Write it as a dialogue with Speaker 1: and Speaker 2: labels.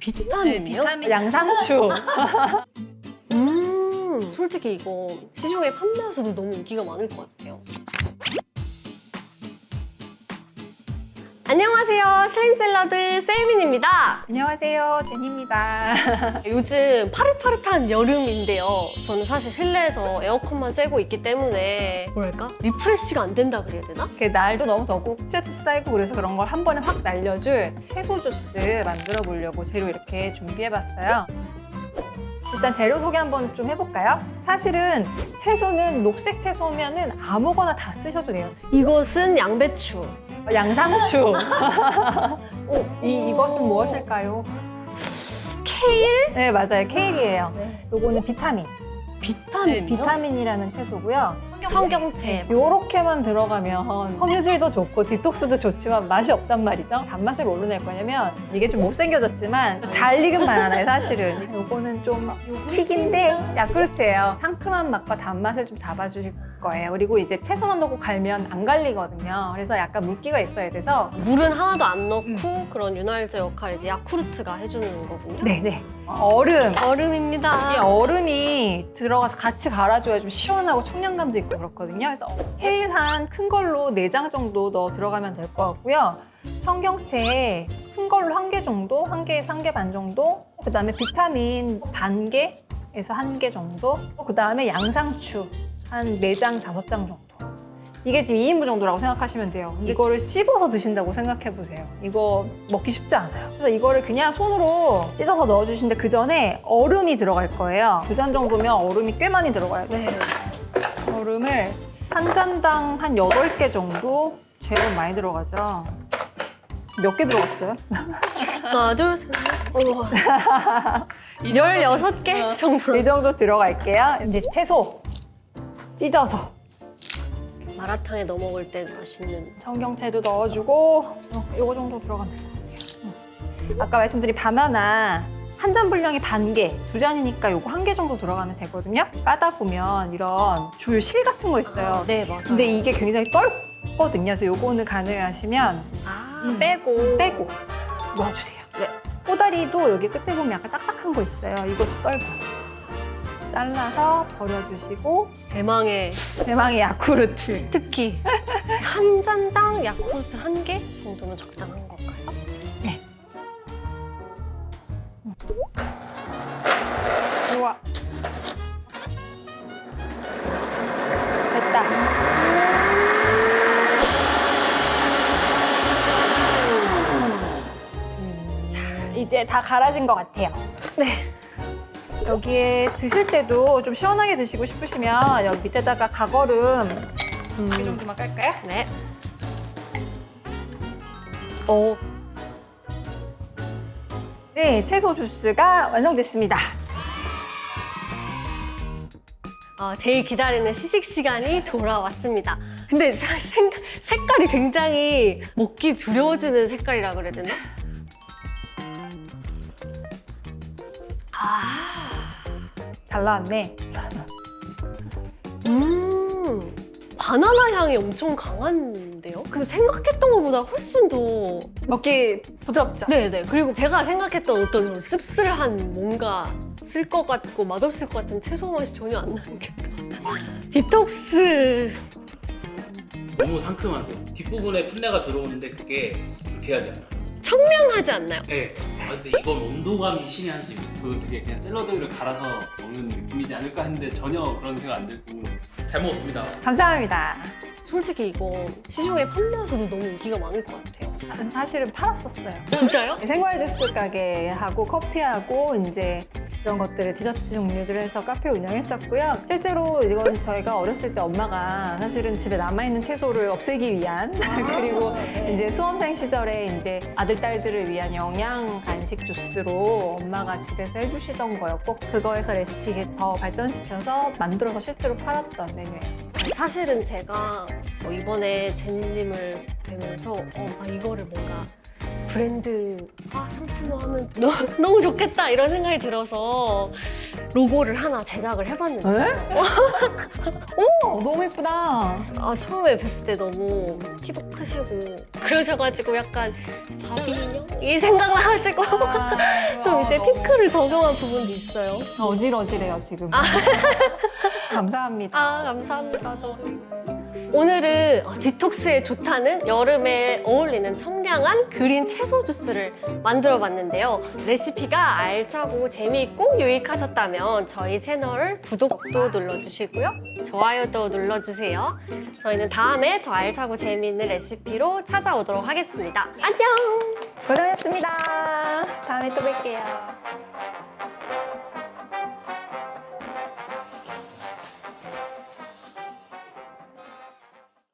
Speaker 1: 비타민이요?
Speaker 2: 비타민 양상추.
Speaker 1: 솔직히 이거 시중에 판매해서도 너무 인기가 많을 것 같아요. 안녕하세요. 슬림 샐러드 셀민입니다.
Speaker 2: 안녕하세요, 제니입니다.
Speaker 1: 요즘 파릇파릇한 여름인데요. 저는 사실 실내에서 에어컨만 쐬고 있기 때문에 뭐랄까? 리프레시가 안 된다 그래야 되나?
Speaker 2: 날도 너무 덥고 스트레스 쌓이고 그래서 그런 걸 한 번에 확 날려줄 채소 주스 만들어 보려고 재료 이렇게 준비해봤어요. 일단 재료 소개 한번 좀 해볼까요? 사실은 채소는 녹색 채소면은 아무거나 다 쓰셔도 돼요.
Speaker 1: 이것은 양배추.
Speaker 2: 양상추. 이것은 무엇일까요?
Speaker 1: 케일?
Speaker 2: 네, 맞아요. 케일이에요.
Speaker 1: 네.
Speaker 2: 요거는 비타민.
Speaker 1: 비타민이요?
Speaker 2: 비타민이라는 채소고요.
Speaker 1: 청경채.
Speaker 2: 요렇게만 들어가면 섬유질도 좋고 디톡스도 좋지만 맛이 없단 말이죠. 단맛을 뭘로 낼 거냐면 이게 좀 못생겨졌지만 잘 익은 바나나예요, 사실은. 요거는 좀 킥인데 야쿠르트예요. 상큼한 맛과 단맛을 좀 잡아주실 거예요. 그리고 이제 채소만 넣고 갈면 안 갈리거든요. 그래서 약간 물기가 있어야 돼서
Speaker 1: 물은 하나도 안 넣고 그런 윤활제 역할을 이제 야쿠르트가 해주는 거군요.
Speaker 2: 네네. 얼음.
Speaker 1: 얼음입니다.
Speaker 2: 이게 얼음이 들어가서 같이 갈아줘야 좀 시원하고 청량감도 있고 그렇거든요. 그래서 케일 한 큰 걸로 4장 정도 넣어 들어가면 될 것 같고요. 청경채 큰 걸로 1개 정도, 1개에서 1개 반 정도. 그다음에 비타민 반 개에서 1개 정도. 그다음에 양상추 한 4장, 5장 정도. 이게 지금 2인분 정도라고 생각하시면 돼요. 근데 이거를 씹어서 드신다고 생각해 보세요. 이거 먹기 쉽지 않아요. 그래서 이거를 그냥 손으로 찢어서 넣어주시는데 그 전에 얼음이 들어갈 거예요. 2잔 정도면 얼음이 꽤 많이 들어가요.
Speaker 1: 네.
Speaker 2: 얼음을 한 잔당 한 8개 정도. 제일 많이 들어가죠. 몇 개 들어갔어요?
Speaker 1: 하나, 둘, 셋, 넷. 16개 정도로.
Speaker 2: 이 정도 들어갈게요. 이제 채소 찢어서.
Speaker 1: 마라탕에 넣어 먹을 때 맛있는.
Speaker 2: 청경채도 넣어주고 요거 정도 들어가면 될 것 같아요. 아까 말씀드린 바나나 한 잔 분량이 반 개, 2잔이니까 요거 1개 정도 들어가면 되거든요. 까다 보면 이런 줄 실 같은 거 있어요.
Speaker 1: 네, 맞아요.
Speaker 2: 근데 이게 굉장히 떫거든요. 그래서 요거는 가능하시면 빼고 넣어주세요.
Speaker 1: 네.
Speaker 2: 꼬다리도 여기 끝에 보면 약간 딱딱한 거 있어요. 이것도 떫어요. 잘라서 버려주시고
Speaker 1: 대망의
Speaker 2: 야쿠르트.
Speaker 1: 특히 한 잔당 야쿠르트 1개 정도면 적당한 건가요?
Speaker 2: 네. 좋아. 됐다. 이제 다 갈아진 것 같아요. 네. 여기에 드실 때도 좀 시원하게 드시고 싶으시면 여기 밑에다가 가거름 이 정도만 깔까요?
Speaker 1: 네.
Speaker 2: 네, 채소 주스가 완성됐습니다.
Speaker 1: 제일 기다리는 시식 시간이 돌아왔습니다. 근데 색깔이 굉장히 먹기 두려워지는 색깔이라 그래야 되나?
Speaker 2: 잘 나왔네.
Speaker 1: 바나나 향이 엄청 강한데요? 근데 생각했던 것보다 훨씬 더.
Speaker 2: 먹기 부드럽죠?
Speaker 1: 네네. 그리고 제가 생각했던 어떤 그런 씁쓸한 뭔가 쓸 것 같고 맛없을 것 같은 채소 맛이 전혀 안 나는 게. 디톡스.
Speaker 3: 너무 상큼한데요. 뒷부분에 풋내가 들어오는데 그게 불쾌하지 않아요.
Speaker 1: 청량하지 않나요?
Speaker 3: 네. 근데 이건 온도감이 신의 한 수입니다.
Speaker 4: 이게 그냥 샐러드를 갈아서 먹는 느낌이지 않을까 했는데 전혀 그런 생각 안 들고
Speaker 3: 잘 먹었습니다.
Speaker 2: 감사합니다.
Speaker 1: 솔직히 이거 시중에 판매해서도 너무 인기가 많을 것 같아요.
Speaker 2: 사실은 팔았었어요.
Speaker 1: 진짜요?
Speaker 2: 생활 주스 가게하고 커피하고 이제 이런 것들을 디저트 종류들을 해서 카페 운영했었고요. 실제로 이건 저희가 어렸을 때 엄마가 사실은 집에 남아있는 채소를 없애기 위한 그리고 이제 수험생 시절에 이제 아들, 딸들을 위한 영양 간식 주스로 엄마가 집에서 해주시던 거였고 그거에서 레시피 더 발전시켜서 만들어서 실제로 팔았던 메뉴예요.
Speaker 1: 사실은 제가 이번에 제니님을 뵈면서 이거를 뭔가 브랜드화 상품화하면 너무 좋겠다 이런 생각이 들어서 로고를 하나 제작을 해봤는데
Speaker 2: 오, 너무 예쁘다.
Speaker 1: 처음에 뵀을 때 너무 키도 크시고 그러셔가지고 약간 바비 인형? 이 생각나가지고 좀 핑크를 적용한 부분도 있어요.
Speaker 2: 어질어질해요 지금. 감사합니다.
Speaker 1: 아, 감사합니다. 저도. 오늘은 디톡스에 좋다는 여름에 어울리는 청량한 그린 채소 주스를 만들어 봤는데요. 레시피가 알차고 재미있고 유익하셨다면 저희 채널 구독도 눌러주시고요. 좋아요도 눌러주세요. 저희는 다음에 더 알차고 재미있는 레시피로 찾아오도록 하겠습니다. 안녕!
Speaker 2: 고생하셨습니다. 다음에 또 뵐게요.